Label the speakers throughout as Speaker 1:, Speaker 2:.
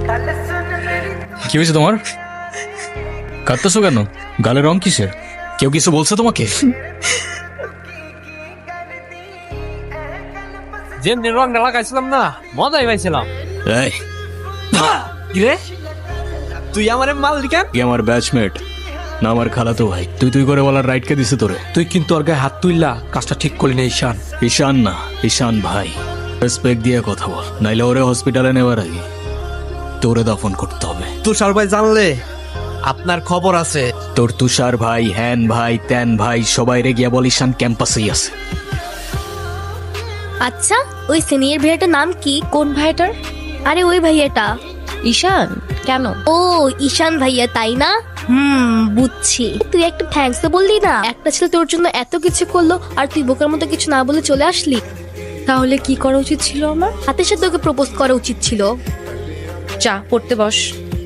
Speaker 1: কি হয়েছে তোমার? কাঁদতেছো কেন? গালের রং কিসের? কেউ কিছু বলছে তোমাকে?
Speaker 2: যেমনি রংটা লাগাইছিলাম না, মজাই পাইছিলাম।
Speaker 1: এই,
Speaker 2: কিরে, তুই আমার মালিকান?
Speaker 1: কি আমার ব্যাচমেট না আমার খালাতো ভাই? তুই করে বলার রাইট কে দিছে তোরে?
Speaker 3: তুই কিন্তু ওর গায়ে হাত তুললা, কাজটা ঠিক করলি না ঈশান।
Speaker 1: ঈশান না, ঈশান ভাই। রেসপেক্ট দিয়ে কথা বল, নাইলে ওরে হসপিটালে নেওয়ার আগে তোরে দাফন করতে হবে।
Speaker 2: তুষার ভাই জানলে আপনার খবর আছে।
Speaker 1: তোর তুষার ভাই, হ্যান ভাই, ত্যান ভাই, সবাই রে গিয়া বল ঈশান ক্যাম্পাসেই আছে।
Speaker 4: আচ্ছা, ওই সিনিয়র ভাইয়াটার নাম কি?
Speaker 5: কোন ভাইটার?
Speaker 4: আরে ওই ভাইয়াটা।
Speaker 5: ঈশান? কেন?
Speaker 4: ও ঈশান ভাইয়া, তাই না? বুঝছি। তুই একটা থ্যাঙ্কস তো বললি না? একটা ছেলে তোর জন্য এত কিছু করলো আর তুই বোকার মতো কিছু না বলে চলে আসলি।
Speaker 5: তাহলে কি করা উচিত ছিল আমার?
Speaker 4: হাতের সাথে ওকে প্রপোজ করা উচিত ছিল।
Speaker 5: চা পড়তে বস।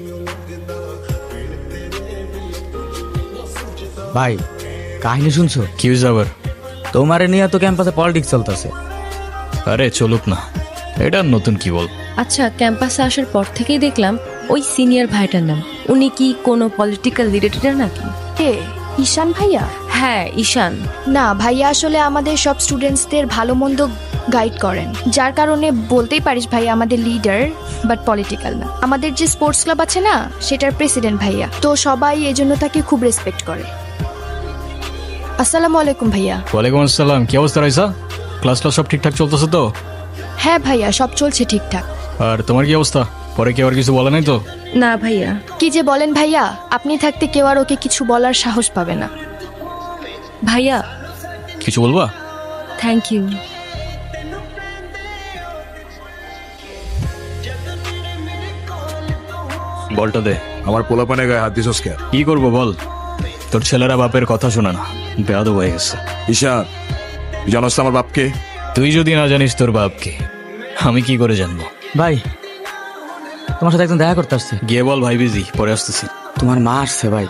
Speaker 6: ভাই, কাহিনী শুনছো?
Speaker 1: কি হয়েছে আবার?
Speaker 6: তোমারে নিয়ে তো ক্যাম্পাসে পলিটিক্স চলতেছে।
Speaker 1: আরে চলুক না, এটা নতুন কি বল?
Speaker 5: আচ্ছা, ক্যাম্পাসে আসার পর থেকেই দেখলাম ওই সিনিয়র ভাইটার নাম। উনি কি কোনো পলিটিক্যাল রিলেটেড নাকি?
Speaker 7: কে? ঈশান ভাইয়া?
Speaker 5: হ্যাঁ, ঈশান।
Speaker 7: না, ভাইয়া আসলে আমাদের সব স্টুডেন্টসদের ভালো মন্দ গাইড করেন, যার কারণে বলতেই পারিস ভাইয়া আমাদের লিডার, বাট পলিটিক্যাল না। আমাদের যে স্পোর্টস ক্লাব আছে না, সেটার প্রেসিডেন্ট ভাইয়া, তো সবাই এজন্য তাকে খুব রেসপেক্ট করে। আসসালামু আলাইকুম ভাইয়া।
Speaker 1: ওয়ালাইকুম আসসালাম। কি অবস্থা রাইসা? ক্লাস সব ঠিকঠাক চলতেছে তো?
Speaker 7: হ্যাঁ ভাইয়া, সব চলছে ঠিকঠাক।
Speaker 1: আর তোমার কি অবস্থা? পরে কি আর কিছু বলে নাই তো?
Speaker 5: না ভাইয়া।
Speaker 7: কি যে বলেন ভাইয়া, আপনি থাকতে কেউ আর ওকে কিছু বলার সাহস পাবে না।
Speaker 5: ভাইয়া,
Speaker 1: কিছু বলবা?
Speaker 5: Thank you.
Speaker 1: বলটা দে।
Speaker 8: আমার পোলাপানে গায়ে হাত দিছস কে?
Speaker 1: কি করবো বল? তোর ছেলেরা বাপের কথা শোনা না, বেয়াদব হয়ে গেছে।
Speaker 8: ঈশান, তুই জানোস তো আমার বাপকে?
Speaker 1: তুই যদি না জানিস তোর বাপকে, আমি কি করে জানবো?
Speaker 6: ভাই, তোমার সাথে একজন দেখা করতে আসছে।
Speaker 1: গিয়ে বল ভাই বিজি, পরে আসতেছি।
Speaker 6: তোমার মা আসছে ভাই।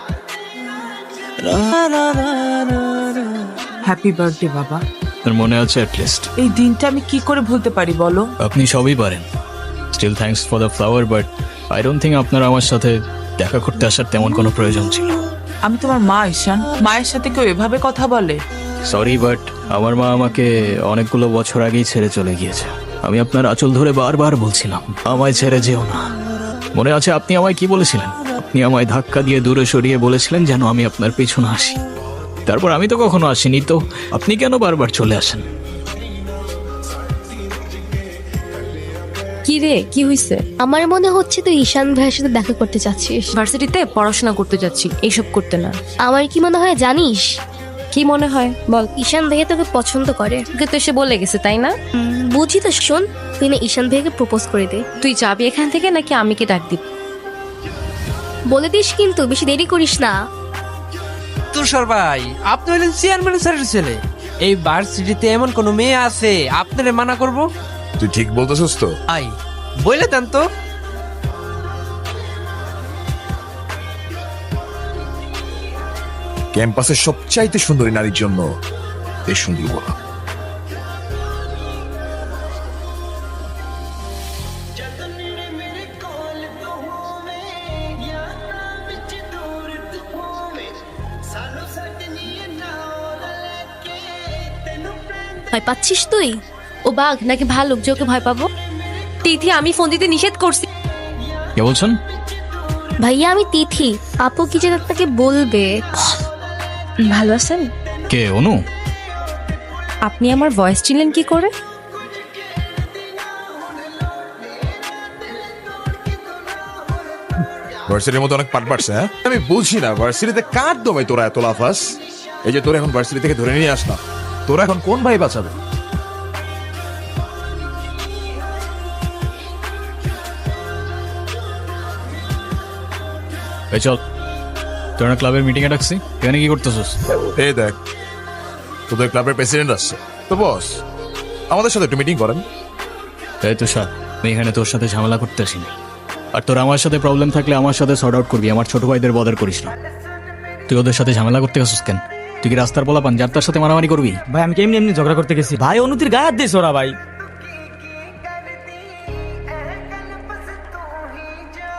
Speaker 9: হ্যাপি বার্থডে বাবা।
Speaker 1: তোর মনে আছে অ্যাটলিস্ট?
Speaker 9: এই দিনটা আমি কি করে ভুলতে পারি বলো?
Speaker 1: আপনি সবই পারেন। Still thanks for the flower, but I don't think আপনার আমার সাথে দেখা করতে আসার তেমন কোনো প্রয়োজন ছিল।
Speaker 9: আমি তোমার মা ঈশান, মায়ের সাথে কেউ এভাবে কথা বলে?
Speaker 1: সরি, বাট আমার মা আমাকে অনেকগুলো বছর আগেই ছেড়ে চলে গিয়েছে। আমি আপনার আঁচল ধরে বারবার বলছিলাম আমায় ছেড়ে যেও না। মনে আছে আপনি আমায় কি বলেছিলেন? আপনি আমায় ধাক্কা দিয়ে দূরে সরিয়ে বলেছিলেন যেন আমি আপনার পেছনে আসি। তারপর আমি তো কখনো আসিনি, তো আপনি কেন বারবার চলে আসেন?
Speaker 5: কি রে, কি হইছে?
Speaker 4: আমার মনে হচ্ছে তুই ঈশান ভাইয়ের সাথে দেখা করতে চাচ্ছিস।
Speaker 5: ভার্সিটিতে পড়াশোনা করতে যাচ্ছি, এইসব করতে না।
Speaker 4: আমার কি মনে হয় জানিস?
Speaker 5: কি মনে হয় বল?
Speaker 4: ঈশান ভাইয়া তোকে পছন্দ করে।
Speaker 5: তোকে তো এসে বলে গেছে, তাই না?
Speaker 4: বুঝি তো, শোন, তুই না ঈশান ভাইয়াকে প্রপোজ করে দে।
Speaker 5: তুই যাবি এখান থেকে নাকি আমি কি ডাক দিব?
Speaker 4: বলে দিস কিন্তু, বেশি দেরি করিস না।
Speaker 2: তুষার ভাই, আপনি হলেন চেয়ারম্যান স্যারের ছেলে। এই ভার্সিটিতে এমন কোন মেয়ে আছে আপনারে মানা করব?
Speaker 8: তুই ঠিক বলতেছস তো?
Speaker 2: আই বলে দেন তো।
Speaker 8: ক্যাম্পাসের সবচাইতে সুন্দরী নারীর জন্য এই সুন্দর বলা।
Speaker 4: ভয় পাচ্ছিস তুই?
Speaker 5: ও বাঘ নাকি ভালুক যে ওকে ভয় পাবো? তিথি, আমি ফোন দিতে নিষেধ করছি।
Speaker 1: কে বলছেন?
Speaker 4: ভাইয়া আমি তিথি। আপু কি যেন আপনাকে বলবে।
Speaker 5: ভালো আছেন?
Speaker 1: কে? অনু?
Speaker 5: আপনি আমার ভয়েস চিনলেন কি করে?
Speaker 8: ভার্সিটির মধ্যে অনেক পাট পাটছে। হ্যাঁ, আমি বলছি না ভার্সিটিতে কার দমে তোরা এত লাফাস? এই যে তোরা এখন ভার্সিটি থেকে ধরে নিয়ে আসলাম, তোরা এখন কোন ভাই বাঁচাবে?
Speaker 1: এই চল, তোরা ক্লাবের মিটিং এ ডাকছি, এখানে কি করতেছিস?
Speaker 8: এই দেখ, তোদের ক্লাবের প্রেসিডেন্ট আসছে তো বস, আমাদের সাথে একটু মিটিং করেন।
Speaker 1: তাই তো স্যার, আমি এখানে তোর সাথে ঝামেলা করতে আসিনি। আর তোর আমার সাথে প্রবলেম থাকলে আমার সাথে সর্ট আউট করবি, আমার ছোট ভাইদের বদার করিস না। তুই ওদের সাথে ঝামেলা করতে গেছিস কেন? তুই কি রাস্তার পোলাপান যার তার সাথে মারামারি করবি?
Speaker 6: ভাই, আমি কেমনি এমনি ঝগড়া করতে গেছি। ভাই, অনুতির গায়ে হাত দিয়েছে ওরা। ভাই,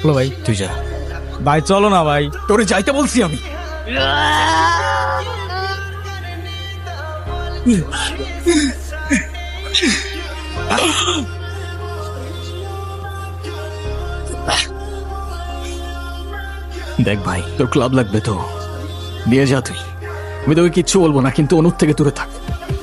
Speaker 6: বলো ভাই,
Speaker 1: তুই যা।
Speaker 6: ভাই চলো না ভাই।
Speaker 1: তোরে যাইতে বলছি আমি। দেখ ভাই, তোর ক্লাব লাগবে তো দিয়ে যা তুই। আমি তোকে কিচ্ছু বলবো না, কিন্তু অনুর থেকে দূরে থাক।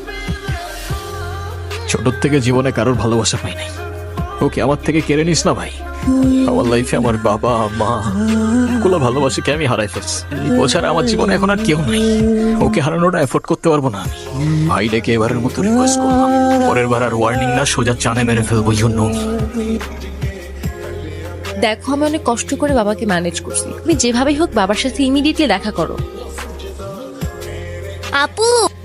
Speaker 1: ছোট থেকে জীবনে কারোর ভালোবাসা পাই নাই, ওকে আমার থেকে কেড়ে নিস না ভাই। আমার লাইফে আমার বাবা মা গুলো ভালোবাসাকে আমি হারাই ফেলছি। ও ছাড়া আমার জীবনে এখন আর কেউ নাই। ওকে হারানোটা এফোর্ড করতে পারবো না আমি। ভাই ডেকে এবারের মতো রিকোয়েস্ট করলাম, পরের বার আর ওয়ার্নিং না, সোজা চানে মেরে ফেলবো। জন্য
Speaker 5: দেখো, আমি অনেক কষ্ট করে বাবাকে ম্যানেজ করছি। তুমি যেভাবেই হোক বাবার সাথে ইমিডিয়েটলি দেখা করো।
Speaker 4: আপু,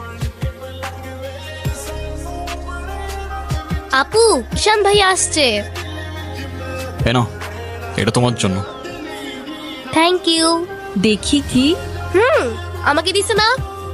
Speaker 4: আপু, ঈশান ভাই আসছে।
Speaker 1: কেন? এটা তোমার জন্য।
Speaker 4: Thank you.
Speaker 5: দেখি কি।
Speaker 4: আমাকে দিছে না?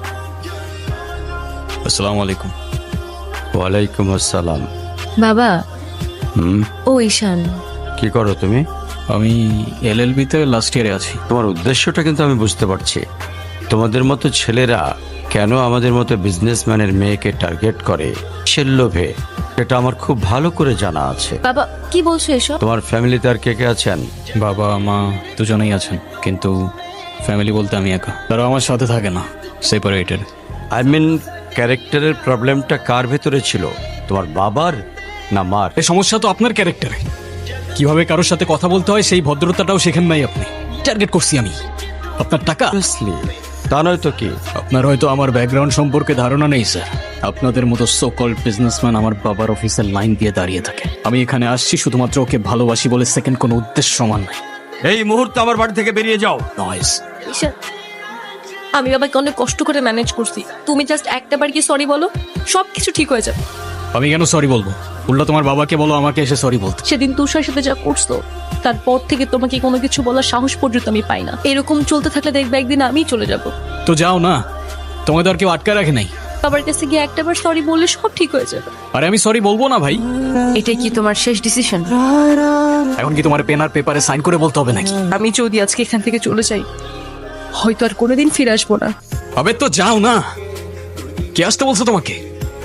Speaker 1: আসসালামু আলাইকুম।
Speaker 10: ওয়ালাইকুম আসসালাম।
Speaker 5: বাবা,
Speaker 10: হুম,
Speaker 5: ও ঈশান।
Speaker 10: কি করো তুমি?
Speaker 1: আমি এলএলবি তে লাস্ট ইয়ারে আছি।
Speaker 10: তোমার উদ্দেশ্যটা কিন্তু আমি বুঝতে পারছি। তোমাদের মতো ছেলেরা কেন আমাদের মতো বিজনেসম্যানের মেয়েকে টার্গেট করে সে লোভে, এটা আমার খুব ভালো করে জানা আছে।
Speaker 5: বাবা, কি বলছো এসব?
Speaker 10: তোমার ফ্যামিলিতে আর কে কে আছেন?
Speaker 1: বাবা মা দুজনেই আছেন, কিন্তু ফ্যামিলি বলতে আমি একা। তারা আমার সাথে থাকে না, সেপারেটেড।
Speaker 10: আই মিন, ক্যারেক্টারের প্রবলেমটা কার ভেতরে ছিল, তোমার বাবার না মার?
Speaker 1: এই সমস্যা তো আপনার ক্যারেক্টারে। কিভাবে কারোর সাথে কথা বলতে হয় সেই ভদ্রতাটাও শেখেন নাই আপনি। টার্গেট করছি আমি আপনার টাকা।
Speaker 10: Obviously, তা নয় তো কি?
Speaker 1: আপনার হয়তো আমার ব্যাকগ্রাউন্ড সম্পর্কে ধারণা নেই স্যার। আপনাদের মতো সো কল্ড বিজনেসম্যান আমার বাবার অফিসের লাইন দিয়ে দাঁড়িয়ে থাকে। আমি এখানে আসছি শুধুমাত্র ওকে ভালোবাসি বলে, সেকেন্ড কোনো উদ্দেশ্য সমান নাই।
Speaker 10: এই মুহূর্তে আমার বাড়ি থেকে বেরিয়ে যাও।
Speaker 1: নয়েস।
Speaker 5: ঈশান, আমি বাবাকে অনেক কষ্ট করে ম্যানেজ করছি। তুমি জাস্ট একটা বার কি সরি বলো, সব কিছু ঠিক হয়ে যাবে।
Speaker 1: আমি কেন সরি বলবো? উল্টা তোমার বাবাকে বলো আমাকে এসে সরি বলতে।
Speaker 5: সেদিন তুষার সাথে যা করছো, তারপর থেকে তোমাকে কোনো কিছু বলার সাহস পর্যন্ত আমি পাই না। এরকম চলতে থাকলে দেখবে একদিন আমিই চলে যাব।
Speaker 1: তো যাও না, তোমাকে তো আর কেউ আটকা রাখে নাই।
Speaker 5: বাবার কাছে গিয়ে একটাবার সরি বললে সব ঠিক হয়ে যাবে।
Speaker 1: আরে আমি সরি বলবো না ভাই।
Speaker 5: এটাই কি তোমার শেষ ডিসিশন?
Speaker 1: এখন কি তোমার পেন আর পেপারে সাইন করে বলতে হবে নাকি?
Speaker 5: আমি যদি আজকে এখান থেকে চলে যাই, হয়তো আর কোনোদিন ফিরে আসবো না।
Speaker 1: আবে তো যাও না, কে আসতে বলছো তোমাকে?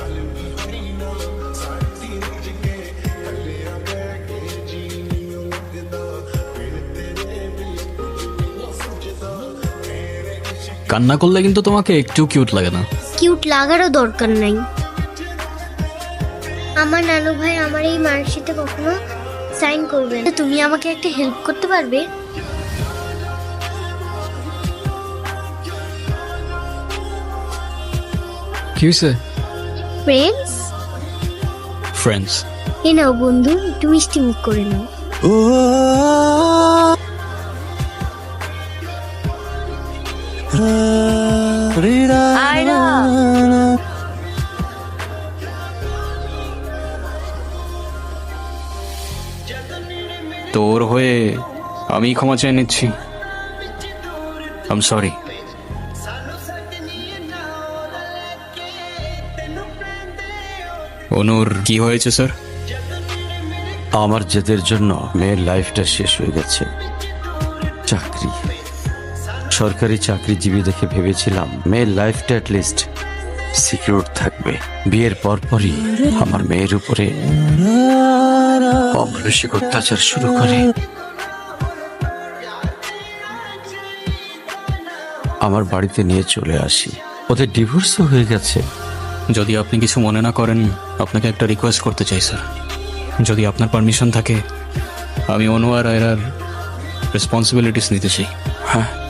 Speaker 1: কান্না করলে কিন্তু তোমাকে একটু কিউট লাগে না।
Speaker 4: কিউট লাগারও দরকার নাই। আমার নানু ভাই আমার এই মার্কশিটে কখনো সাইন করবে না। তুমি আমাকে একটা হেল্প করতে পারবে?
Speaker 1: কি হয়েছে?
Speaker 4: Friends,
Speaker 1: friends.
Speaker 4: এ নাও বন্ধু, একটু মিষ্টি মুখ করে নাও।
Speaker 5: আয়রা,
Speaker 1: তোর হয়ে আমি ক্ষমা চেয়ে নিচ্ছি। I am sorry. অনুর কি হয়েছে স্যার?
Speaker 10: আমার জেদের জন্য মেয়ের লাইফটা শেষ হয়ে গেছে। চাকরি, সরকারি চাকরিজীবী দেখে ভেবেছিলাম মেয়ের লাইফটা অ্যাটলিস্ট সিকিউর থাকবে। বিয়ের পরপরই আমার মেয়ের উপরে অমানসিক অত্যাচার শুরু করে। আমার বাড়িতে নিয়ে চলে আসি। ওদের ডিভোর্সও হয়ে গেছে।
Speaker 1: যদি আপনি কিছু মনে না করেন, আপনাকে একটা রিকোয়েস্ট করতে চাই স্যার। যদি আপনার পারমিশন থাকে, আমি অনু আর আয়রার রেসপন্সিবিলিটিস নিতে চাই।
Speaker 10: হ্যাঁ,